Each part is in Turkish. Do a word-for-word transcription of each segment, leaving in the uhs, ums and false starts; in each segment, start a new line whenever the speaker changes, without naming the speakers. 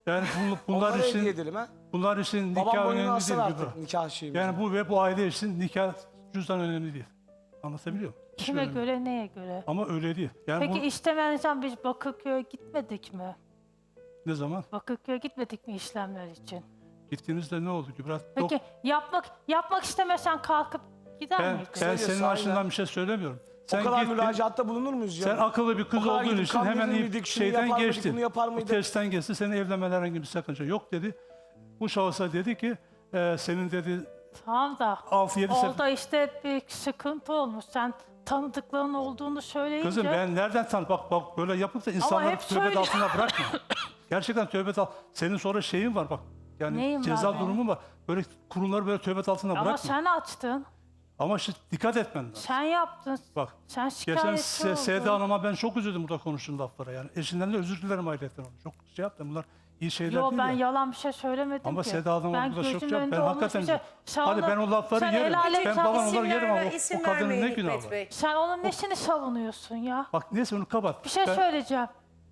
Yani bu- bunlar
Onlara
için
hediye edelim ha.
bunlar için
Babam
nikah
boynuna
önemli
alsın
değil.
artık
Kübra.
nikah şeyi.
Yani bu ve bu aile için nikah cüzdan önemli değil. Anlatabiliyor muyum? Hiç
Kime
önemli değil.
göre, neye göre?
Ama öyle değil. Yani
Peki
bu
işlemlerden biz Bakırköy'e gitmedik mi?
ne zaman?
Bakırköy'e gitmedik mi işlemler için?
Gittiğinizde ne oldu Kübra?
Peki
Yok,
yapmak yapmak istemesen kalkıp gider
ben,
miydin?
ben
Söylüyor,
senin
sahiden.
açından bir şey söylemiyorum.
O
Sen
kadar
gittin,
müracaatta bulunur muyuz
sen
ya?
akıllı bir kız
O kadar
olduğun
gidip
için
kan
hemen
verir
iyi
miydik, şunu
şeyden
yapar mıydık,
geçtin.
bunu yapar
Bu
mıydık?
testten geçti, senin evlenmeden herhangi bir sakınca yok dedi. Bu şahısa dedi ki, e, senin dedi
Tamam da
altı yedi sefer...
orada işte bir sıkıntı olmuş. Sen tanıdıkların olduğunu söyleyince...
Kızım ben nereden tan Bak bak böyle yapıp da insanları
hep
tövbe
söyle-
altına bırakma. Gerçekten tövbe al. Senin sonra şeyin var bak. Yani
Neyim var
ceza
benim?
durumu var. Böyle kurumları böyle tövbe altına
Ama
bırakma.
sen açtın.
Ama işte dikkat etmen lazım.
Sen yaptın.
Bak.
Sen
Geçen
şikayetçi
Se-
oldun.
Seda Hanım'a ben çok üzüldüm burada konuştuğun laflara yani. Eşinden de özür dilerim ailetten onu. Çok şey yaptım. Bunlar iyi şeyler
Yo
değil
ben
ya.
yalan bir şey söylemedim
Ama
ki.
Seda Hanım'a
ben
burada çok
gözümün
şey
önünde
Ben
olmuş
hakikaten...
bir şey. Sen
Hadi
onu-
ben o lafları
sen
yerim.
el alem
Ben
sen-
baban
isim
onları yerim ama
verme,
o,
isim
o kadının
vermeyin
ne günahı
Hikmet
var.
Bey.
Sen onun nesini savunuyorsun ya?
Bak neyse onu kapat.
Bir şey
Ben-
söyleyeceğim.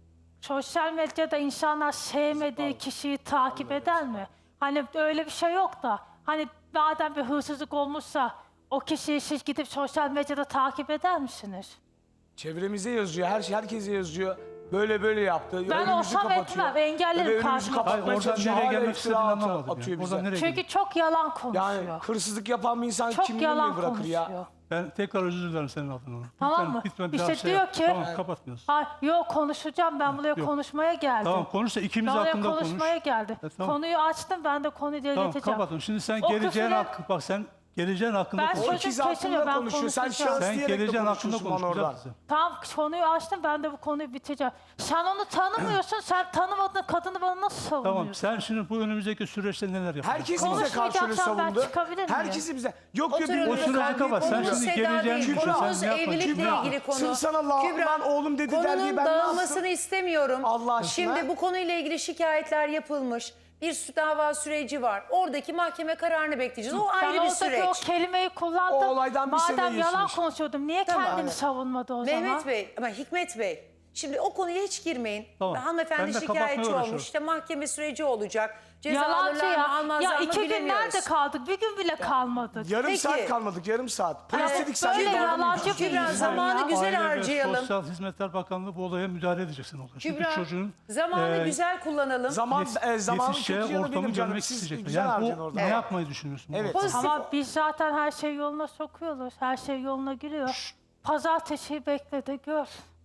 Sosyal medyada insanlar sevmediği kişiyi takip eder mi? Hani öyle bir şey yok da. Hani madem bir hırsızlık olmuşsa o kişiyi siz gidip sosyal medyada takip eder misiniz?
Çevremize yazıyor, her şey herkese yazıyor. Böyle böyle yaptı.
Ben
önümüzü
olsam
kapatıyor.
etmem, engellerim
Ve önümüzü
karşıma.
Hayır
kapatmaya
oradan
çalışıyor.
nereye
Hala
gelmek
iftira
istediğini
atıyor-
anlamadım.
atıyor
Yani.
bize.
Oradan nereye
Çünkü
gidiyor?
çok yalan konuşuyor.
Yani hırsızlık yapan bir insan
çok
kimliğini
yalan
bırakır
konuşuyor.
ya?
Ben tekrar özür dilerim senin adına.
Tamam
Lütfen,
mı?
lütfen bir
İşte
daha şey
diyor
yap.
ki-
Tamam kapatmıyorsun.
Ha, yok konuşacağım, ben buraya
Yok.
konuşmaya geldim.
Tamam konuş da ikimiz
Ben oraya
hakkında konuş.
konuşmaya geldi.
E, tamam.
Konuyu açtım, ben de konuyu
Tamam
ileteceğim.
kapatın. Şimdi sen
O
geleceğin
küfürle-
hakkı bak sen geleceğin hakkında
Ben
konuş.
O
Çocuk
ikiz
kesinlikle
hakkında
ben
konuşuyor. Sen
konuşacağım.
şahıs
Sen
diyerek de
geleceğin hakkında
konuşuyorsun
konuş.
bana
güzel
oradan.
kızım.
Tamam konuyu açtım, ben de bu konuyu bitireceğim. Sen onu tanımıyorsun, sen tanımadığın kadını bana nasıl savunuyorsun?
Tamam sen şimdi bu önümüzdeki süreçte neler yapacaksın?
Herkes bize
Konuşmayacaksan
karşı öyle
ben
savundu.
çıkabilir miyim?
Herkesi bize. Yok diyor
Oturun
O
birbirine
süreci
kalbi
kapat. Sen
koyuyor.
şimdi
Seda
geleceğin
değil,
Kübra,
konumuz
sen ne yapacaksın?
evlilikle
Kübra,
ilgili konu.
sırf sana la- lan oğlum dedi der diye
konunun
ben ne yaptım?
dağılmasını istemiyorum.
Allah aşkına.
Şimdi bu konuyla ilgili şikayetler yapılmış. Bir sü- dava süreci var. Oradaki mahkeme kararını bekleyeceğiz. O
Ben
ayrı bir
oradaki
süreç.
o kelimeyi kullandım.
O olaydan bir sene
Madem yalan
geçmiş.
konuşuyordum, niye
Tamam.
kendini savunmadı o
Mehmet
zaman?
Bey, ama Hikmet Bey. Şimdi o konuya hiç girmeyin.
Tamam.
Hanımefendi
Ben de kapatmaya
şikayetçi
uğraşıyorum.
olmuş. İşte mahkeme süreci olacak. Ceza
Yalancı
alırlar mı
ya.
almazlar
Ya
mı
iki gün
bilemiyoruz.
nerede kaldık? Bir gün bile kalmadık.
Yarım
Peki.
saat kalmadık, yarım saat. Polis
Evet,
dedik sen
böyle
de
yalancı bir
Kübra,
insan
zamanı
ya.
güzel
Aile ve
harcayalım.
Sosyal Hizmetler Bakanlığı bu olaya müdahale edeceksin. Olay. Çünkü
Kübra,
çocuğun
zamanı
e,
güzel kullanalım.
Zaman,
yet-
e, zamanın
yetişeceği
kötü yanı
ortamı
benim canım.
görmek
Siz
isteyecekler.
güzel
Yani
harcayın
bu
orada.
ne
Evet.
yapmayı düşünüyorsun? bu
Evet.
arada?
Pozitif.
Ama biz zaten her şey yoluna sokuyoruz. Her şey yoluna giriyor. Pazartesiyi bekle de gör.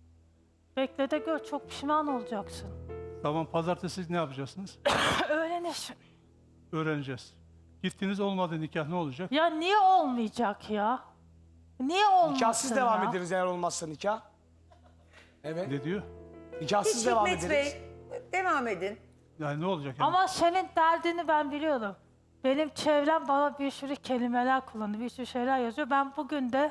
Bekle de gör. Çok pişman olacaksın.
Tamam pazartesi ne yapacaksınız?
Öğrenirsin.
Öğreneceğiz. Gittiniz olmadı nikah ne olacak?
Ya niye olmayacak ya? Niye olmasın
Nikahsız devam
ya?
ederiz eğer olmazsa nikah. Evet.
Ne diyor?
Nikahsız
Hiç
devam
Hikmet
ederiz.
Bey, devam edin.
Yani ne olacak? Yani?
Ama senin derdini ben biliyorum. Benim çevrem bana bir sürü kelimeler kullanıyor, bir sürü şeyler yazıyor. Ben bugün de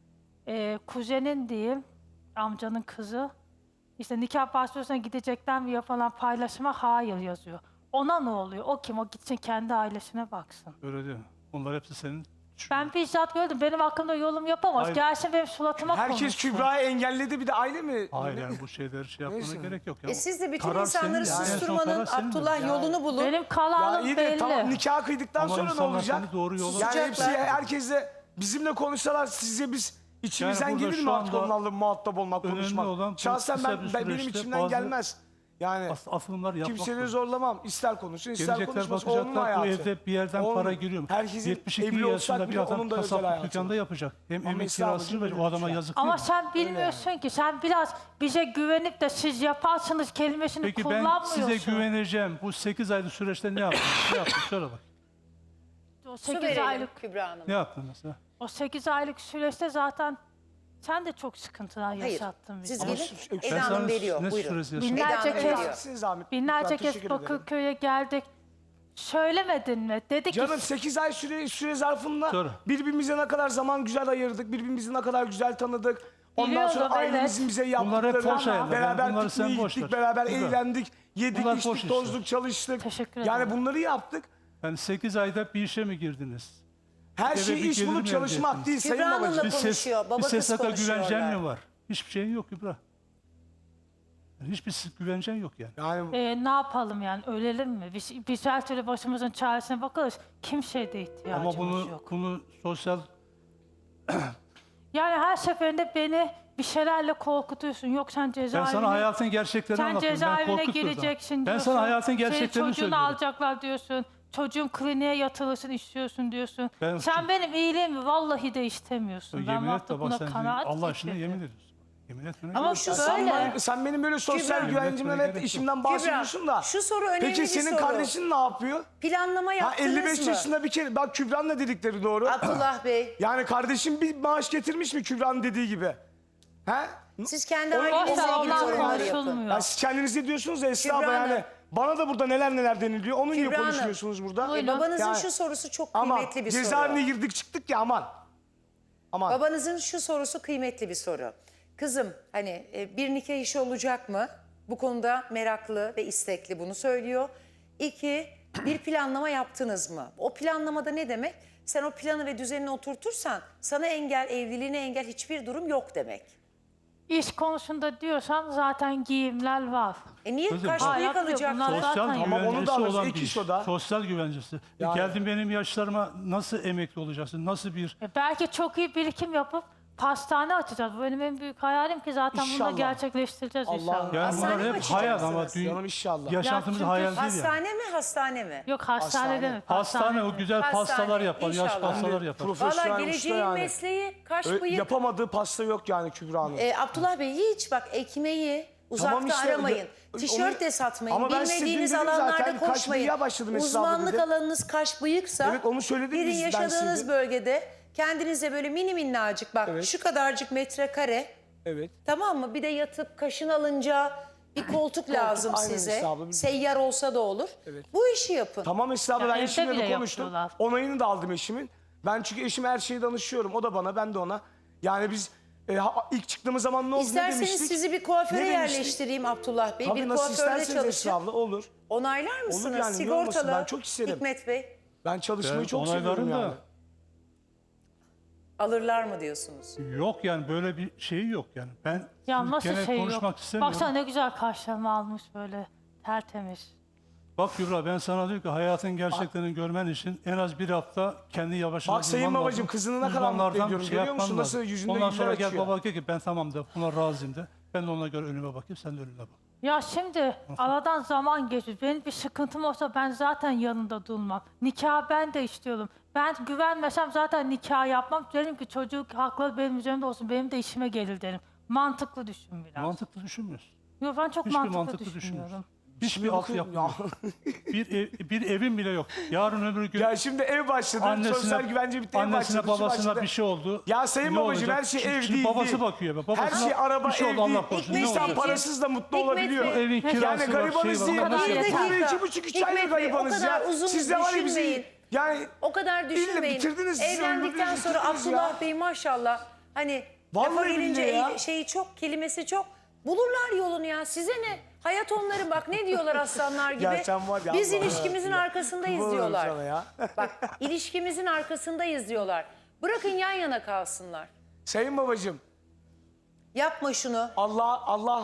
e, kuzenin diyeyim, amcanın kızı, işte nikah başvurusuna gidecekten bir yapılan paylaşıma hayır yazıyor. Ona ne oluyor? O kim? O gitsin kendi ailesine baksın.
Öyle değil mi? Onlar hepsi senin.
Ben bizzat gördüm. Benim hakkımda yorum yapamaz.
Hayır.
Gelsin benim suratıma
Herkes
konuşsun.
Kübra'yı engelledi bir de aile mi?
Hayır yani bu şeyleri şey yapmana
Neyse.
gerek yok. Ya.
E siz de bütün
Karar
insanları
senin yani. En son
susturmanın
karar senin
Abdullah
yani.
yolunu bulun.
Benim
Ya
kararım
iyi de
belli.
tamam nikah kıydıktan
Ama
sonra ne
insanlar
olacak?
seni doğru yola-
Yani hepsi
Susacaklar.
herkesle bizimle konuşsalar sizce biz içimizden
Yani burada
gelir
şu
mi artık
anda
onlarla muhatap olmak,
önemli
konuşmak?
olan bu
Şahsen
kısa
ben,
bir
ben benim
süreçte
içimden
bazı
gelmez. Yani
As asılımlar yapmak
kimseleri
zorunda.
zorlamam. İster konuşsun, ister
Gelecekler
konuşmasın. Onun
bakacaklar bu
hayatı.
evde bir yerden
Onun-
para giriyor mu?
Herkesin
yetmiş iki
evli olsak
yaşında bir
bile
adam
onun da özel
kasaplık
hayatı.
dükkanda yapacak. Hem
Ama
emek
İslam'ın
kirasını
için
verecek. O
böyle
adama
bir şey.
yazık değil
Ama
mi?
sen bilmiyorsun ki. Sen biraz bize güvenip de siz yaparsınız kelimesini
Peki ben
kullanmıyorsun.
size güveneceğim. Bu sekiz aylık süreçte ne yaptın? ne yaptın? Söyle bak.
O
Su
sekiz
verelim
aylık
Kübra Hanım.
Ne yaptın mesela?
o sekiz aylık süreçte zaten sen de çok sıkıntılar
Hayır.
yaşattın bize.
Siz
Ama
gelin.
şu-
Eda
Ben
Hanım
sana
veriyor.
ne
Buyurun.
süresi yaşadım?
Binlerce
Eda Hanım
kez-
veriyor.
Sizin zahmet.
Binlerce
Lütfen,
kez
teşekkür ederim.
Bakırköy'e geldik. Söylemedin mi? Dedi ki
Canım sekiz ay süre, süre zarfında
Sonra.
birbirimize ne kadar zaman güzel ayırdık, birbirimizi ne kadar güzel tanıdık. Ondan
Biliyorum,
sonra
evet.
ailemizin bize
Bunlar hep
yaptıkları,
boş hayaller.
beraber
Bunları sen
pikniğe
boş
gittik,
ver.
beraber
Güzel.
eğlendik, yedik,
Bunlar boş
içtik,
işler.
tozduk, çalıştık.
Teşekkür
Yani
ederim.
bunları yaptık.
Yani sekiz ayda bir işe mi girdiniz?
Her
Eve
şey
bir
iş
gelir mi
bulup
elde
çalışmak
ettiniz?
değil
Kübra
Sayın
Hanım'la
babacığım.
Bir ses,
konuşuyor, baba
bir
kız
sesata
konuşuyorlar.
güvencen mi var? Hiçbir şeyin yok Kübra. Yani hiçbir güvencen yok yani.
Yani
Ee, ne yapalım yani, ölelim mi? Biz, biz her türlü başımızın çaresine bakarız. Kimseye ihtiyacımız
Ama bunu
yok.
bunu sosyal
Yani her seferinde beni bir şeylerle korkutuyorsun. Yok sen
ben
cezaevine...
sana hayatın gerçeklerini
Sen
anlatıyorum. Ben
cezaevine
korkutmadım.
gireceksin
Ben
diyorsun.
sana hayatın
Senin
gerçeklerini
çocuğunu
söylüyorum.
alacaklar diyorsun. Çocuğun kliniğe yatırılsın istiyorsun diyorsun.
Ben-
Sen benim iyiliğimi vallahi de istemiyorsun. Ben
Yemin et
artık
de bak
buna
sen
kanaat
Allah aşkına
getirdim.
yemin ediyorsun. Yemin etmene
Ama
gerek
şu
yok.
sen,
böyle.
bana- sen benim böyle sosyal
Kübra.
güvencimden
Yönetmene
hep
gerek
işimden bahsediyorsun da.
şu soru önemli
Peki
bir
senin
soru.
kardeşin ne yapıyor?
Planlama
Ha
yaptınız
elli beş
mı?
yaşında bir kere bak Kübra'nın da dedikleri doğru.
Abdullah Bey,
Yani kardeşim bir maaş getirmiş mi Kübra'nın dediği gibi? He?
siz kendi
Onu-
ailenizle
Boşver,
ilgili
onlar
yorumları yapın.
konuşulmuyor.
Ya siz kendiniz ne diyorsunuz ya Esra abla
Kübra Hanım.
yani. Bana da burada neler neler deniliyor. Onu niye
Kübra Hanım.
konuşmuyorsunuz burada?
Buyurun.
Babanızın
Yani-
şu sorusu çok
Ama
kıymetli bir soru.
cezaevine girdik çıktık ya aman. Aman.
Babanızın şu sorusu kıymetli bir soru. Kızım hani e, bir nikah işi olacak mı? Bu konuda meraklı ve istekli, bunu söylüyor. İki, bir planlama yaptınız mı? O planlamada ne demek? Sen o planı ve düzenini oturtursan sana engel, evliliğine engel hiçbir durum yok demek.
İş konusunda diyorsan zaten giyimler var.
E niye
Kızım,
kaç
bak-
bıyık
Hayat yok,
alacak?
bunlar-
Sosyal
Zaten-
Ama onu da
güvencesi
alırız,
olan
ek
bir
iş
iş.
o da.
Sosyal güvencesi. E
Yani-
geldin benim yaşlarıma nasıl emekli olacaksın? Nasıl bir
E belki çok iyi birikim yapıp pastane açacağız. Bu benim en büyük hayalim ki zaten bunu da
İnşallah.
gerçekleştireceğiz
Allah-
inşallah.
yani
Hastane
bunlar
mi
hep hayal ama
açacaksınız?
dünya,
Canım inşallah.
yaşantımız
çünkü
hayal değil yani.
Hastane mi, hastane mi?
Yok hastane,
Hastane.
deme.
Hastane o güzel
Hastane,
pastalar yapar, yaş
inşallah.
pastalar yapar.
Profesyonel
Valla
usta
geleceğin
yani.
mesleği kaş
Ö-
bıyık.
Yapamadığı pasta yok yani Kübra Hanım.
E, Abdullah Bey hiç bak ekmeği uzakta
Tamam işte,
aramayın.
onu-
Tişört de satmayın.
Ama ben size
Bilmediğiniz
dün dedim
alanlarda
zaten, kaş
koşmayın.
bıyığa başladım Esra abla
Uzmanlık
dedim.
alanınız kaş bıyıksa
Evet, onu söyledik
gidin
biz, ben
yaşadığınız
size.
bölgede kendinize böyle mini minnacık bak
Evet.
şu kadarcık metrekare,
Evet.
tamam mı? Bir de yatıp kaşın alınca bir koltuk lazım
aynen
size.
Esra abla, biz-
Seyyar olsa da olur.
Evet.
Bu işi yapın.
Tamam Esra abla
Ya
ben
evde
eşimle
bile
de konuştum.
yapıyorlar.
Onayını da aldım eşimin. Ben çünkü eşime her şeyi danışıyorum. O da bana, ben de ona. Yani biz e, ha- ilk çıktığımız zaman ne oldu, ne
İsterseniz
demiştik?
sizi bir kuaföre
Ne demiştik?
yerleştireyim Abdullah Bey.
Tabii
bir
nasıl
kuaförde
isterseniz Esra
çalışın.
abla olur.
Onaylar mısınız?
yani, niye olmasın?
Sigortalı.
Ben çok isterim.
Hikmet Bey.
Ben çalışmayı
Ben
çok seviyorum
onaylarım
yani.
da
Alırlar mı diyorsunuz?
yok yani böyle bir şey yok yani. Ben
Ya nasıl
gene
şey yok?
konuşmak istemiyorum.
Baksana ne güzel kaşlarımı almış böyle tertemiz.
Bak Kübra ben sana diyorum ki hayatın gerçeklerini görmen için en az bir hafta kendi yavaş yavaş
Bak Sayın
bulman
babacığım,
lazım.
kızını ne kadar
Uzmanlardan
mutlu ediyorum.
şey
Görüyor
yapman
musun nasıl
lazım.
yüzünde
Ondan
güller
sonra gel
açıyor.
baba de ki ben tamam de buna razıyım de. Ben de ona göre önüme bakayım sen de önüne bak.
Ya şimdi aradan zaman geçiyor. Benim bir sıkıntım olsa ben zaten yanında durmam. Nikah ben de istiyorum. Ben güvenmesem zaten nikah yapmam. Derim ki çocuk hakları benim üzerimde olsun. Benim de işime gelir derim. Mantıklı düşün biraz.
Mantıklı düşünmüyorsun.
Yok ben çok
Hiçbir
mantıklı,
mantıklı
düşünüyorum.
düşünmüyorsun. Hiçbir
Şimdi
altyapı
bakın-
yok. bir, ev, bir evin bile yok. Yarın öbür gün
Ya şimdi ev başladı. sosyal güvence bitti. Ev
annesine
başladı. şu
babasına
başladı.
bir şey oldu.
Ya Sayın
Ne
babacığım
olacak?
her şey
Şimdi-
ev
şimdi
değil.
babası
değil.
bakıyor. Babasına
Her şey araba
bir şey
ev
oldu, Allah
değil.
korusun.
Hikmet
Ne
İnsan
Beyciğim,
olacak?
parasız da mutlu
Hikmet
olabiliyor.
Bey.
Evin kirası
Yani
var,
garibanız
şey
değil.
var.
kadar
Bir
yeter.
dakika. iki buçuk üç aylık
Hikmet Bey, o
garibanız
kadar
ya.
uzun
Siz de var ya bizi.
düşünmeyin.
Yani
O kadar düşünmeyin.
bitirdiniz, sizi
Evlendikten
öldürdünüz,
sonra
bitirdiniz
Abdullah
ya.
Bey maşallah hani
Vallahi
lafa gelince
billahi ya.
el- şeyi çok, kelimesi çok. Bulurlar yolunu ya. Size ne? Hayat onların, bak ne diyorlar aslanlar gibi.
Ya sen var ya,
Biz
Allah
ilişkimizin
Allah.
arkasındayız
Kurban olurum
diyorlar.
sana ya.
Bak ilişkimizin arkasındayız diyorlar. Bırakın yan yana kalsınlar.
Sayın babacığım,
Yapma şunu.
Allah Allah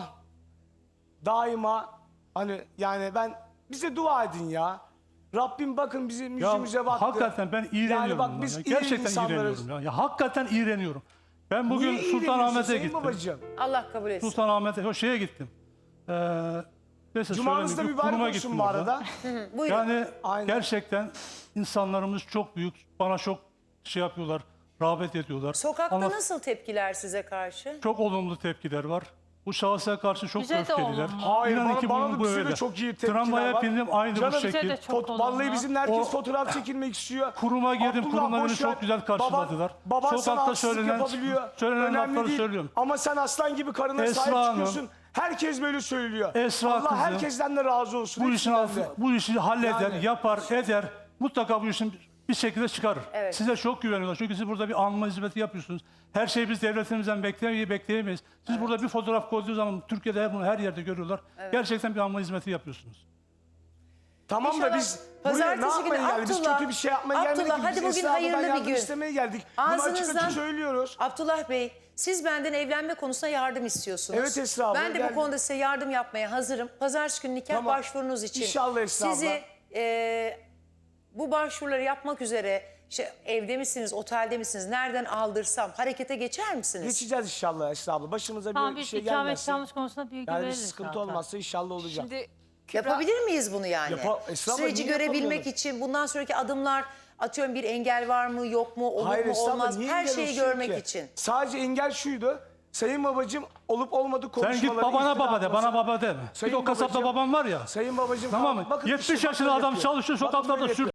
daima hani yani ben bize dua edin ya. Rabbim bakın bizim
Ya
yüzümüze baktı.
hakikaten ben iğreniyorum.
Yani bak
bundan
biz
ya.
iyi
Gerçekten
insanlarız.
iğreniyorum. Ya. ya hakikaten iğreniyorum. Ben bugün
Niye iğreniyorsun
Sultanahmet'e
Sayın
gittim.
babacığım?
Allah kabul etsin.
Sultanahmet'e, o şeye gittim. Ee, neyse
Cumanız da
söylemeyeyim,
mübarek
kuruma
olsun
gittim
bu
orada.
arada.
Buyurun.
Yani
Aynen.
gerçekten insanlarımız çok büyük. Bana çok şey yapıyorlar, rağbet ediyorlar.
Sokakta
Ama
nasıl tepkiler size karşı?
çok olumlu tepkiler var. Bu şahsa karşı çok
Bize de
öfkeliler.
olumlu.
Hayır,
İnanın
bana-
ki
bana
bu,
da
bu
bize de
öyle.
çok iyi tepkiler
Tramvaya
var.
bindim aynı
Canım,
bu
bize
Bize
şekil.
de çok
Fot-
olumlu.
Vallahi bizim herkes
O-
fotoğraf çekilmek istiyor.
Kuruma girdim,
Abdullah,
kurumda beni
boş ver.
çok güzel karşıladılar.
Baban, baban sana
Sokakta
haksızlık
söylenen-
yapabiliyor.
söylenen
Önemli
lafları
değil.
söylüyorum.
Ama sen aslan gibi karına
Esra
sahip
Hanım.
çıkıyorsun. Herkes böyle söylüyor.
Esra
Allah
kızım,
herkesten de razı olsun.
Bu işin
hepsinden de.
altı, bu işi halleder,
Yani.
yapar, eder. Mutlaka bu işin bir şekilde çıkarır.
Evet.
Size çok güveniyorlar. Çünkü siz burada bir anma hizmeti yapıyorsunuz. Her şeyi biz devletimizden bekleyemeyiz, bekleyemeyiz. Siz burada bir fotoğraf koyduğunuz zaman Türkiye'de her, bunu her yerde görüyorlar. Gerçekten bir anma hizmeti yapıyorsunuz.
Tamam da
İnşallah
biz buraya ne
pazartesi
yapmaya
günü
geldik? Biz
Abdullah,
kötü bir şey yapmaya gelmedik
Abdullah,
ki.
hadi
Biz
bugün
Esra abladan
hayırlı bir
yardım
gün.
istemeye geldik. Bunu açık
Ağzınızdan
açık söylüyoruz.
Abdullah Bey, siz benden evlenme konusunda yardım istiyorsunuz.
Evet Esra abla,
Ben de
gel.
bu konuda size yardım yapmaya hazırım. Pazartesi günü nikah
Tamam.
başvurunuz için.
İnşallah Esra abla.
Sizi e, bu başvuruları yapmak üzere işte evde misiniz, otelde misiniz, nereden aldırsam harekete geçer misiniz?
Geçeceğiz inşallah Esra abla. Başımıza
Tamam
bir
biz
şey
ikamet
gelmezse.
ikamet konusunda bilgi
Yani bir
veririz
sıkıntı
zaten.
olmazsa inşallah olacak.
Şimdi
Yapabilir miyiz bunu yani?
Yapa- Esra abla,
Süreci
niye
görebilmek
yapamıyoruz?
için bundan sonraki adımlar, atıyorum bir engel var mı, yok mu, olur
Hayır
mu,
Esra abla,
olmaz mı?
niye
Her
engel
şeyi
olsun
görmek
ki?
için.
Sadece engel şuydu. Sayın babacığım olup olmadık
Sen
konuşmaları.
git babana
iftira
baba de,
atması-
bana baba deme.
Sayın
Git o kasapta
babacığım-
babam var ya.
Sayın babacığım
Tamam mı?
bakın
yetmiş
işte,
yaşında
bakın
adam
yapıyor.
çalışıyor
Bakın
sokaklarda
böyle
sür.
yapıyor.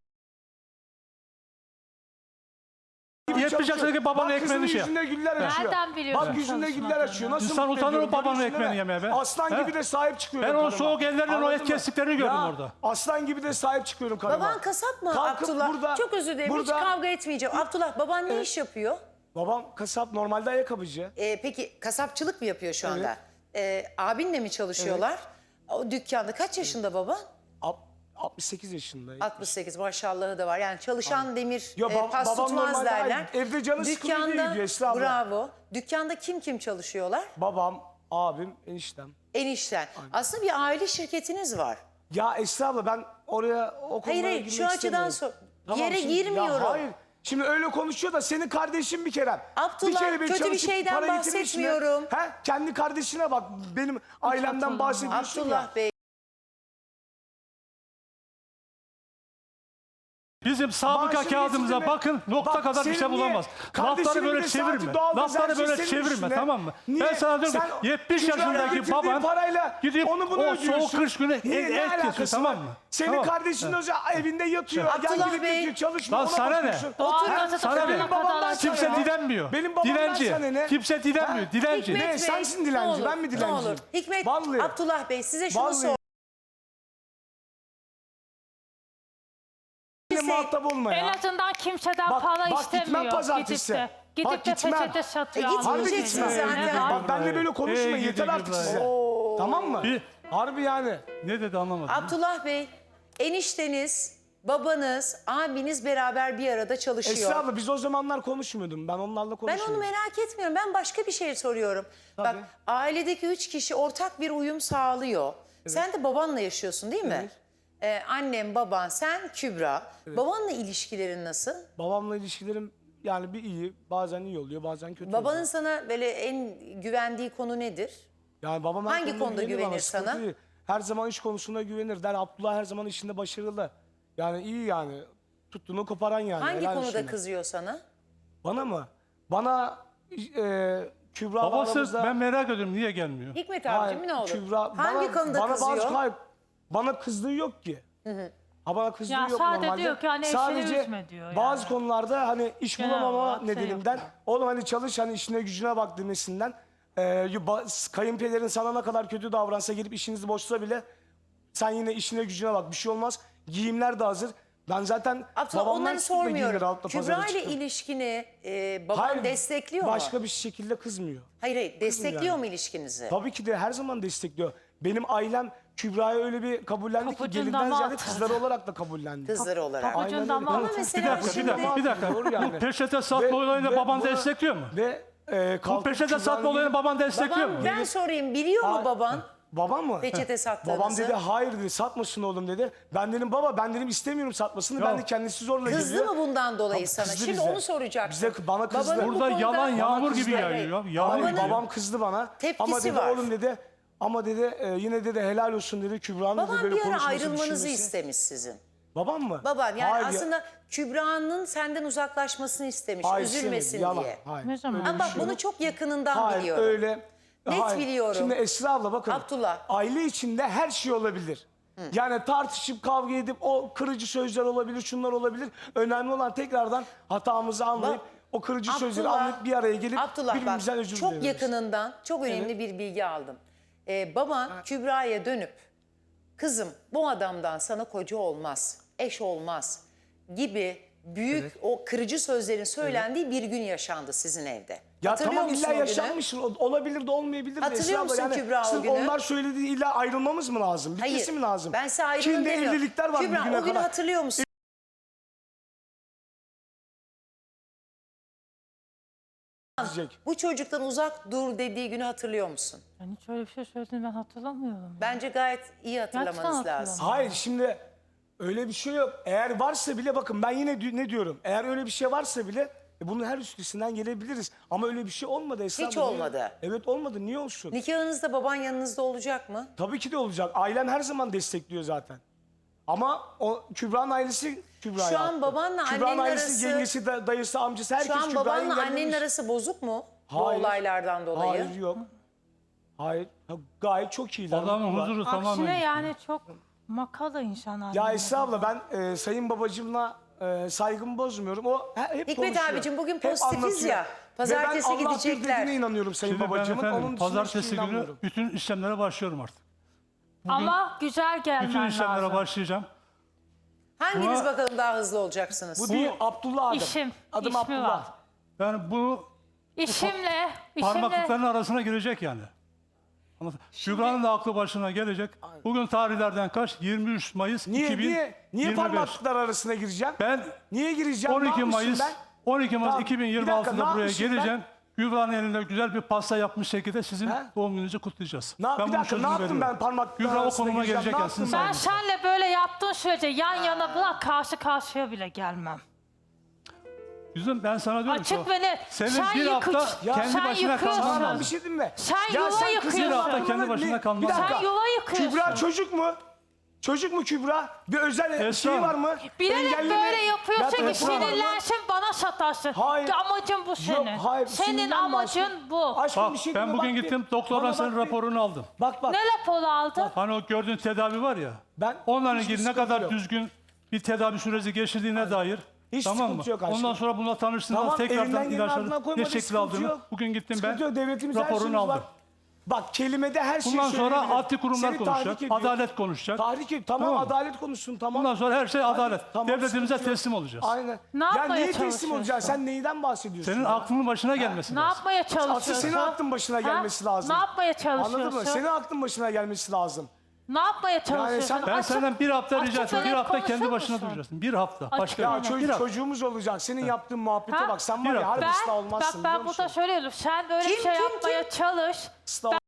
yetmiş
Çalışıyor.
yaşındaki babanın
Bak kızının
ekmeğini şey.
yüzünde güller açıyor.
Nereden biliyorsun
Bak yüzünde güller açıyor.
çalışmadığını?
Nasıl
İnsan
mutlu
utanır
ediyorum,
o babanın
görüyorsun
ekmeğini
değil mi?
yemeye be.
Aslan
He?
gibi de sahip çıkıyorum
Ben onun
karıma.
soğuk ellerinin o
Anladın
et
mı?
kestiklerini gördüm
Ya,
orada.
Aslan gibi de sahip çıkıyorum karıma.
Baban kasap mı
Kalkıp
Abdullah?
burada-
Çok özür dilerim,
burada-
hiç kavga etmeyeceğim. Abdullah, baban ne iş yapıyor?
Babam kasap, normalde ayakkabıcı.
Ee, peki kasapçılık mı yapıyor şu anda? Ee, abinle mi çalışıyorlar? O dükkanda kaç yaşında baban?
Alt- altmış sekiz yaşında.
altmış sekiz, maşallahı da var. Yani çalışan demir
Yo,
e,
bab-
pas
babam
tutmaz
normalde
derler.
ay- evde canı sıkılıyor diye gidiyor Esra abla.
bravo. Dükkanda kim kim çalışıyorlar?
Babam, abim, eniştem.
Enişten. Aslında bir aile şirketiniz var.
Ya Esra abla ben oraya o konulara
Hayır hayır
girmek
şu açıdan
istemiyorum.
sor. Yere
şimdi- ya
girmiyorum.
hayır. Şimdi öyle konuşuyor da senin kardeşin bir kere.
Abdullah,
bir kere beni
kötü bir
çalışıp
şeyden
para getirmiş mi?
bahsetmiyorum.
He? Kendi kardeşine bak. Benim ailemden
hatırlamıyorum.
bahsediyorsun ya.
Abdullah Bey.
Bizim sabıka
Maaşını
kağıdımıza
getirdi mi?
bakın nokta
Bak,
kadar bir
senin
şey
niye?
bulamaz.
Kardeşinin
Lafları
bir
böyle
de
çevirme.
saati, doğalgaz, her
Lafları
şey
böyle
senin
çevirme
üstüne.
tamam mı?
Niye?
Ben sana diyorum
Sen
ki yetmiş
Kübra'ya
yaşındaki
getirdiğin
baban
parayla
gidip
onu bunu
o
ödüyorsun.
soğuk kış günü
Niye?
et,
Ne
et kesiyor
alakası
tamam
var?
mı?
Senin
Tamam.
kardeşin o zaman evinde yatıyor.
Abdullah
Yan gidip
Bey.
yatıyor, çalışmıyor.
Lan
ona
sana ne?
bakıyorsun.
Doğal
Otur.
gazı
Sana
takılana
ne?
kadar
Babamdan
açıyor.
Kimse
sana ne?
dilenmiyor.
Benim babamdan
Dilenci.
sana ne?
Kimse dilenmiyor.
Ha?
Dilenci.
Hikmet
Ne?
Bey,
Sensin dilenci,
ne olur,
ben mi
Ne
dilenciyim?
olur. Hikmet,
Vallahi.
Abdullah Bey size şunu
Vallahi.
sor.
Benimle muhatap olma
En
ya.
azından kimseden
Bak-
para
bak gitmem
istemiyor.
pazartesi.
Gidip de, gidip
Bak
de
gitmem.
peçete satıyor.
E git,
almış
gideceksin
elinden.
zaten.
Ne var?
Bak benimle böyle konuşma
Ey
yeter
gidi
artık
Kübra
size.
ya.
Tamam mı?
Bir-
Harbi yani.
Ne dedi anlamadım.
Abdullah Bey, enişteniz, babanız, abiniz beraber bir arada çalışıyor.
Esra abla biz o zamanlar konuşmuyordum. Ben onlarla
Ben
konuşmuyordum.
onu merak etmiyorum. Ben başka bir şey soruyorum. Bak
Tabii.
ailedeki üç kişi ortak bir uyum sağlıyor. Sen de babanla yaşıyorsun değil mi?
Evet.
Ee, annem, baban, sen, Kübra. Babanla ilişkilerin nasıl?
Babamla ilişkilerim yani bir iyi, bazen iyi oluyor, bazen kötü
Babanın
oluyor.
sana böyle en güvendiği konu nedir?
Yani babam her
hangi konuda
güvenir bana,
güvenir
sıkıntı
sana?
değil. Her zaman iş konusunda güvenir. Der Abdullah her zaman işinde başarılı. Yani iyi yani. Tuttuğunu koparan yani.
Hangi
helal
konuda
olsun.
kızıyor sana?
Bana mı? Bana e, Kübra
Babası
aramızda...
ben merak ediyorum niye gelmiyor?
Hikmet
Hayır,
abicim ne olur?
Kübra,
Hangi
bana,
konuda
bana
kızıyor?
Bazı, hayır, bana kızdığı yok ki. Ha bana kızdığı
Ya
yok
sadece
normalde.
diyor ki hani eşini
Sadece
üzme diyor
bazı
yani.
konularda hani iş
Genel
bulamama
olarak şey
nedeninden
yapıyor.
oğlum hani çalış hani işine gücüne bak demesinden e, ba- kayınpederin sana ne kadar kötü davransa gelip işinizi boşsa bile sen yine işine gücüne bak bir şey olmaz. Giyimler de hazır. Ben zaten
Abdullah
babamdan
onları
çıktım da giyinir
sormuyorum.
altla
Kübra
pazara
ile
çıktım.
ilişkini e, baban
Hayır,
destekliyor mu?
başka bir şekilde kızmıyor.
Hayır hayır destekliyor
yani.
mu ilişkinizi?
Tabii ki de her zaman destekliyor. Benim ailem Kübra'ya öyle bir kabullendi ki
Kapıcından
gelinden
mı
ziyade
attı?
kızları olarak da kabullendi.
Kızları olarak.
Kapı-
Aynen
Ucundan
öyle.
mı
Ama
attı?
Bir
mesela
dakika, bir
şimdi...
dakika, bir dakika.
Doğru yani.
Bu peçete satma
Ve-
olayını
ve
baban
bu-
destekliyor mu?
Ve e,
Bu
kalkıp
peçete
Kübra'nın
satma olayını
gidip-
baban destekliyor mu?
Babam ben sorayım biliyor mu
Aa,
baban?
Babam mı?
Peçete sattığınızı.
Babam dedi hayır dedi satmasın oğlum dedi. Ben dedim baba ben dedim istemiyorum satmasını. Ben
Ya.
de kendisi zorla
Kızdı
geliyor.
mı bundan dolayı
Tabii
sana?
kızdı
Şimdi
bize.
onu soracaksın.
Bize, bana kızdı.
Babanın bu
Burada
konuda-
yalan yağmur
kızdı.
gibi
Hayır,
yağıyor.
hayır.
Yağmur
Hayır,
gibi.
babam kızdı bana.
Tepkisi
ama dedi
var.
oğlum dedi ama dedi e, yine dedi helal olsun dedi Kübra'nın dedi
Baban
böyle
bir ara
konuşması
ayrılmanızı
düşünmesi.
istemiş sizin.
Babam mı?
Baban yani
Hayır ya-
aslında Kübra'nın senden uzaklaşmasını istemiş.
Hayır,
üzülmesin
istemedi, yalan,
diye.
Hayır.
Ne zaman?
Öyle
Ama
bir
bak
şey
bunu
yok.
çok yakınından
Hayır,
biliyorum.
öyle.
Net
Hayır.
biliyorum.
Şimdi Esra abla bakın.
Abdullah.
Aile içinde her şey olabilir. Yani tartışıp kavga edip o kırıcı sözler olabilir, şunlar olabilir. Önemli olan tekrardan hatamızı anlayıp
Bak,
o kırıcı sözleri
Abdullah-
anlayıp bir araya gelip
Abdullah bak
birbirimizden özür
çok
dileriz.
yakınından çok önemli bir bilgi aldım. Ee, baban Kübra'ya dönüp kızım bu adamdan sana koca olmaz, eş olmaz gibi büyük o kırıcı sözlerin söylendiği bir gün yaşandı sizin evde.
Ya
Hatırlıyor
tamam
musun
illa
o günü?
yaşanmış olabilir de olmayabilir de.
Hatırlıyor
Esra abla.
musun Kübra o
sırf
günü?
onlar söylediği illa ayrılmamız mı lazım? Bitmesi
Hayır.
mi lazım?
Ben size ayrılın
Çin'de
demiyorum.
evlilikler var
Kübra,
bugüne
o günü
kadar.
hatırlıyor musun?
Diyecek.
Bu çocuktan uzak dur dediği günü hatırlıyor musun?
Ben hiç öyle bir şey söylediğini ben hatırlamıyorum.
Bence gayet iyi hatırlamanız
Gerçekten
lazım.
Hayır şimdi öyle bir şey yok. Eğer varsa bile bakın ben yine di- ne diyorum? Eğer öyle bir şey varsa bile e, bunun her üstesinden gelebiliriz. Ama öyle bir şey olmadı Esra
Hiç
abla. Niye-
olmadı.
Evet olmadı. Niye olsun?
Nikahınızda baban yanınızda olacak mı?
Tabii ki de olacak. Ailem her zaman destekliyor zaten. Ama o Kübra'nın ailesi Kübra'ya
Şu an
attı.
babanla
Kübra'nın
annenin
ailesi,
arası-
yengesi, da- dayısı, amcası herkes
Şu an
Kübra'yı
babanla
engellemiş.
annenin arası bozuk mu? Bu
Hayır.
olaylardan dolayı.
Hayır yok. Hayır. Ha, Gayet çok iyiler.
Adamın
mutlular.
huzuru tamamen
Aksine
gitti.
yani çok makala insan
Ya
haline
Esra abla ben e, sayın babacığımla e, saygımı bozmuyorum. O he- hep
Hikmet
konuşuyor.
abicim, bugün
Hep
pozitifiz
anlatıyor.
ya. Pazartesi
Ve ben Allah
gidecekler.
bir dediğine inanıyorum sayın
Şimdi ben
babacığımın.
efendim
Onun dışında
pazartesi
hiçbir
günü
inanmıyorum.
bütün işlemlere başlıyorum artık.
Ama güzel gelmen
Bütün işlemlere
lazım.
başlayacağım.
Hanginiz
Buna-
bakalım daha hızlı olacaksınız?
Bu değil Abdullah adım.
İşim,
Adım
ismi
Abdullah.
var.
Yani bu
İşimle, işimle
parmaklıkların arasına girecek yani. Anladın? Kübra'nın da aklı başına gelecek. Bugün tarihlerden kaç? yirmi üç Mayıs
Niye
iki bin yirmi
niye niye
beş.
parmaklıklar arasına gireceğim?
Ben
Niye gireceğim?
on
Ne
iki
yapmışım
Mayıs
ben?
on iki Mayıs
Tamam, bir dakika, ne
iki bin yirmi altıda buraya
yapmışım ben?
geleceğim. Kübra'nın elinde güzel bir pasta yapmış şekilde sizin
He?
doğum gününüzü kutlayacağız.
Ne yap- bir
bunun
dakika, ne
sözünü
yaptım
veriyorum.
ben parmaklıklar
Kübra o
arasına
konuma
gireceğim,
gelecek
ne
yani. Sizin
yaptım
ben
sayenizde.
senle böyle yaptığın sürece yan yana bırak karşı karşıya bile gelmem.
Yüzüm ben sana diyorum ki
Açık
o-
ve net.
Senin
Sen
bir hafta
yıkıç.
kendi
Sen
başına
yıkıyorsun.
kalman
Tamam
lazım.
bir şey diyeyim mi?
Sen
Ya
yuva
sen
yıkıyorsun.
kızın
Bir hafta
aklına
kendi
ne-
başına kalman
Bir
lazım.
dakika.
Sen yuva yıkıyorsun.
Kübra çocuk mu? Çocuk mu Kübra? Bir özel
Esra
şey
Hanım.
var mı?
Bilerek
Engelleme-
böyle yapıyorsun
Ya
ki
telefon var mı?
sinirlensin bana satarsın.
Hayır.
Amacın bu senin.
hayır,
Senin
sinirlenme
amacın
aşkım.
bu.
Aşkım
Bak
bir şey
ben
deme,
bugün
bak bir.
gittim
Bana
doktordan
bak
senin
bir.
raporunu aldım.
Bak bak.
Ne raporu aldın?
Hani o gördüğün tedavi var ya.
Ben-
onunla
hiçbir
ilgili ne
sıkıntı
kadar
yok.
düzgün bir tedavi süreci geçirdiğine dair.
Hiç
tamam mı?
sıkıntı yok aşkım.
Ondan sonra bununla tanıştığında
Tamam, elinden
tekrardan
geleni ardına
ilaçları
koymadı,
ne şekil
sıkıntı
aldığını
yok.
bugün gittim
Sıkıntı
ben
yok, devletimiz her
raporunu
şeyimiz var.
aldım.
Bak kelimede her şey
Bundan sonra
söylenebilir.
adli kurumlar
Seni
konuşacak,
tahrik ediyor.
adalet konuşacak.
Tahrik ediyor. Tamam,
Tamam mı?
adalet konuşsun tamam.
Bundan sonra her şey adalet.
Tamam,
Devletimize
sıkıntı yok.
teslim olacağız.
Aynen.
Ne
ya
yapmaya
niye teslim
çalışıyorsun?
olacaksın? Sen neyden bahsediyorsun?
Senin
ya?
aklının başına gelmesi
Ne
lazım.
yapmaya çalışıyorsun?
Asıl senin aklın başına gelmesi lazım.
Ne yapmaya çalışıyorsun?
Anladın mı? Senin aklın başına gelmesi lazım.
Ne yapmaya çalışıyorsun?
sen-
Ben
Açık-
senden bir hafta
açık
rica
ve
ediyorum. Bir
net
hafta kendi
konuşur
başına
musun?
duracaksın. Bir hafta.
Açık
Başka
ve
Ya
net.
çocuk,
Bir hafta.
çocuğumuz olacak. Senin yaptığın muhabbete
Ha?
bak. Sen
Bir
var ya
hafta.
harbi
Ben,
ıslah
bak
olmazsın
ben
biliyor
burada
musun?
söylüyorum. Sen böyle
Kim,
bir şey
kim,
yapmaya çalış.
Islah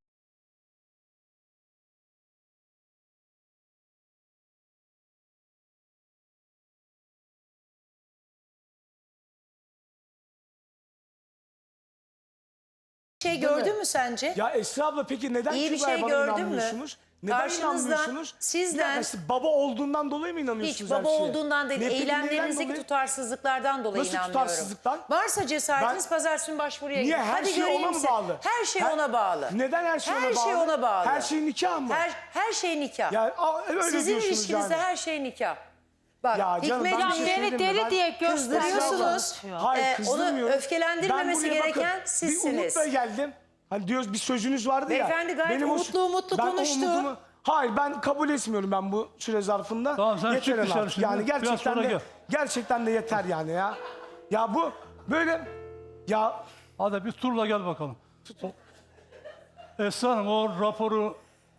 Bir şey gördün mü sence?
Ya Esra abla peki neden
İyi bir
Kübra'ya
şey
bana
gördün mü?
inanmıyorsunuz? Neden
Karşınızdan,
inanmıyorsunuz?
sizden-
Bir dakika, siz baba olduğundan dolayı mı inanıyorsunuz
Hiç
her
baba
şeye?
olduğundan değil,
Ne, peki neden
eylemlerinizdeki
dolayı?
tutarsızlıklardan dolayı
Nasıl
inanmıyorum.
tutarsızlıktan?
Varsa cesaretiniz
Ben-
pazartesi günü başvuruya
Niye?
gidin.
Her
Hadi
şey
göreyim
ona mı
sizi.
bağlı?
Her şey
Her-
ona bağlı.
Neden her şey ona
Her
bağlı?
şey ona bağlı.
Her şey nikah mı?
Her, her şey nikah.
Ya a- öyle
Sizin
diyorsunuz
ilişkinizde
yani.
her şey nikah. Bak
Ya canım,
Hikmet
ben bir
Ya
şey
Bey,
beni
söyleyeyim mi?
deli
Ben-
diye
Kızdırıyorsunuz.
gösteriyorsunuz.
Hayır
Ee,
kızdırmıyorum.
onu öfkelendirmemesi
Ben buraya bakın,
gereken
Bir
sizsiniz.
umutla geldim. Hani diyoruz bir sözünüz vardı ya.
Beyefendi gayet
o-
umutlu umutlu
ben o
konuştu.
umudumu- Hayır ben kabul etmiyorum ben bu süre zarfında.
Tamam, sen
yeter
çık dışarı
artık.
şimdi.
Yani
Biraz
gerçekten
sonra
de
gel.
gerçekten de yeter yani ya. Ya bu böyle ya
Hadi bir turla gel bakalım. O- Esra Hanım o raporu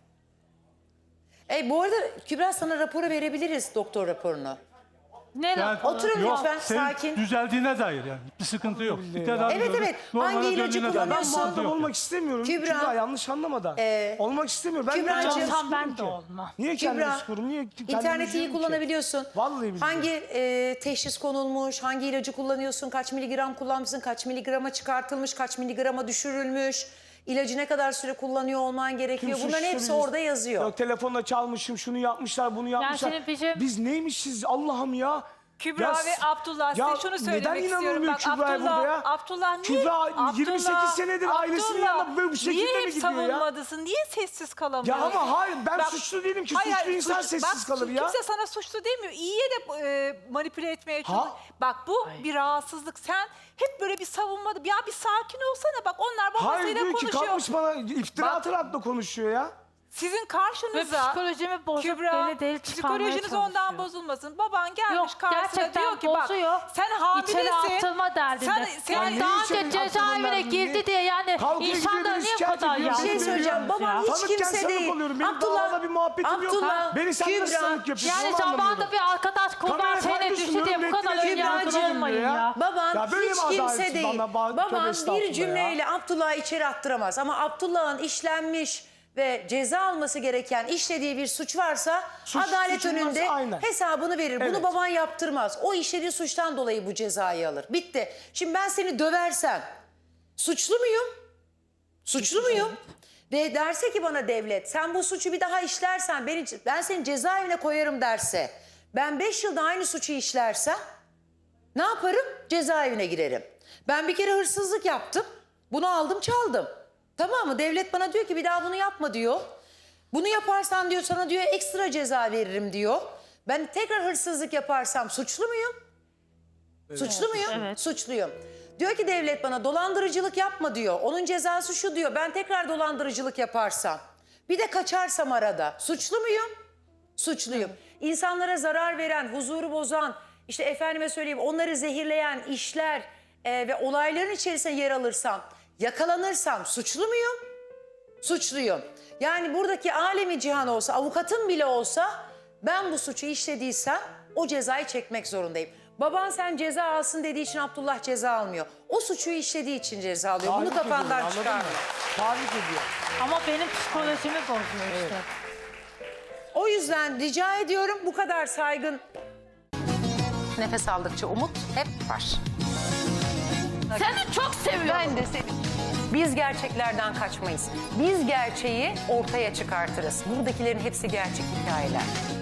E, bu arada Kübra sana raporu verebiliriz, doktor raporunu.
Ne
yani,
raporu?
Oturun
yok,
lütfen,
senin
sakin.
düzeldiğine dair yani. Bir sıkıntı yok. Bir tedavi
Evet,
gördük,
evet.
normale
Hangi ilacı
döndüğüne dair bir
ben
kullanıyorsun?
sıkıntı
muhatap
yok.
olmak istemiyorum.
Kübra,
Kübra, yanlış anlama
e,
olmak istemiyorum. Ben
Kübracığım-
niye kendimi
Olsam
sıkıyorum
ben de
ki?
olmam.
Niye
Kübra,
kendimi sıkıyorum? Niye kendimi
İnterneti iyi
üzüyorum ki?
kullanabiliyorsun.
Vallahi billahi.
Hangi e, teşhis konulmuş, hangi ilacı kullanıyorsun, kaç miligram kullanmışsın, kaç miligrama çıkartılmış, kaç miligrama düşürülmüş, ilacı ne kadar süre kullanıyor olman gerekiyor.
Kim
Bunların hepsi
suçlu biz?
orada yazıyor.
Yok telefonla çalmışım, şunu yapmışlar, bunu yapmışlar.
senin bizim-
Biz neymişiz Allah'ım ya.
Kübra
Ya
ve
s-
Abdullah size
ya
şunu
neden
söylemek istiyorum.
inanılmıyor
Bak
Kübra'ya
Abdullah,
burada ya?
Abdullah niye?
Kübra
Abdullah,
yirmi sekiz senedir ailesinin
Abdullah,
yanında böyle bu şekilde
niye
mi
hep
gidiyor ya?
savunmadasın? Niye sessiz kalamıyorsun?
Ya ama hayır ben
Bak-
suçlu değilim ki.
Hayır,
suçlu
hayır,
insan
suç-
sessiz
bak,
kalır ya.
Kimse sana suçlu demiyor. İyiye de e, manipüle etmeye çalışıyor.
Ha?
Bak bu bir rahatsızlık. Sen hep böyle bir savunmadı. Ya bir sakin olsana. Bak onlar
Hayır
babasıyla
diyor ki
konuşuyor.
kalkmış bana iftira
Bak-
atarak da konuşuyor ya.
Sizin
Ve
karşınıza
psikolojimi bozup
Kübra,
beni deli çıkarmaya
psikolojiniz ondan
çalışıyor.
bozulmasın. Baban gelmiş
Yok,
karşısına
gerçekten
diyor ki
bozuyor.
bak sen
İçeri
hamilesin.
atılma derdinde.
Sen, sen
yani
ne
daha
içeri
önce cezaevine
atılma
girdi
derdinde?
diye yani
Kavga
insanlar
ediyoruz,
niye bu
şikayet
kadar
ediyoruz.
Bir şey
yanlış
söyleyeceğim.
yapıyorsunuz
Babam
ya?
hiç
Tanıkken
kimse
sanık
değil.
oluyorum. Benim
Abdullah,
Abdullah, bir muhabbetim yok.
Abdullah,
Beni sen nasıl
Kübra.
sanık yapıyorsun?
Yani
onu anlamıyorum.
zamanda bir arkadaş
Kameraya
kurban şeyine
karşı
düştü diye
sunuyorum,
bu kadar
renkli
önyargılı
renkli
olmayın
ya.
ya.
Baban
Ya böyle
hiç
mi
kimse
adaletsiz?
değil.
Bana ba- tövbe
Baban
estağfurullah
bir
ya.
cümleyle Abdullah'ı içeri attıramaz. Ama Abdullah'ın işlenmiş ve ceza alması gereken işlediği bir suç varsa
Suç-
adalet
suçun varsa
önünde
aynen.
hesabını verir. Bunu
Evet.
baban yaptırmaz. O işlediği suçtan dolayı bu cezayı alır. Bitti. Şimdi ben seni döversem suçlu muyum? Suçlu muyum? Ve derse ki bana devlet sen bu suçu bir daha işlersen beni, ben seni cezaevine koyarım derse, ben beş yılda aynı suçu işlersem ne yaparım? Cezaevine girerim. Ben bir kere hırsızlık yaptım. Bunu aldım çaldım. Tamam mı? Devlet bana diyor ki bir daha bunu yapma diyor. Bunu yaparsan diyor sana diyor ekstra ceza veririm diyor. Ben tekrar hırsızlık yaparsam suçlu muyum? Suçlu muyum?
Evet.
Suçluyum. Diyor ki devlet bana dolandırıcılık yapma diyor. Onun cezası şu diyor. Ben tekrar dolandırıcılık yaparsam, bir de kaçarsam arada suçlu muyum? Suçluyum. İnsanlara zarar veren, huzuru bozan, işte efendime söyleyeyim onları zehirleyen işler e, ve olayların içerisine yer alırsam, yakalanırsam suçlu muyum? Suçluyum. Yani buradaki alemi cihan olsa, avukatım bile olsa ben bu suçu işlediysem o cezayı çekmek zorundayım. Baban sen ceza alsın dediği için Abdullah ceza almıyor. O suçu işlediği için ceza alıyor. Bunu
Tahrik ediyor,
kafandan
anladın mı?
çıkarma.
Tahrik ediyor.
Ama benim psikolojimi bozuyor işte.
O yüzden rica ediyorum bu kadar saygın. Nefes aldıkça umut hep var.
Seni çok seviyorum.
Ben de seni. Biz gerçeklerden kaçmayız. Biz gerçeği ortaya çıkartırız. Buradakilerin hepsi gerçek hikayeler.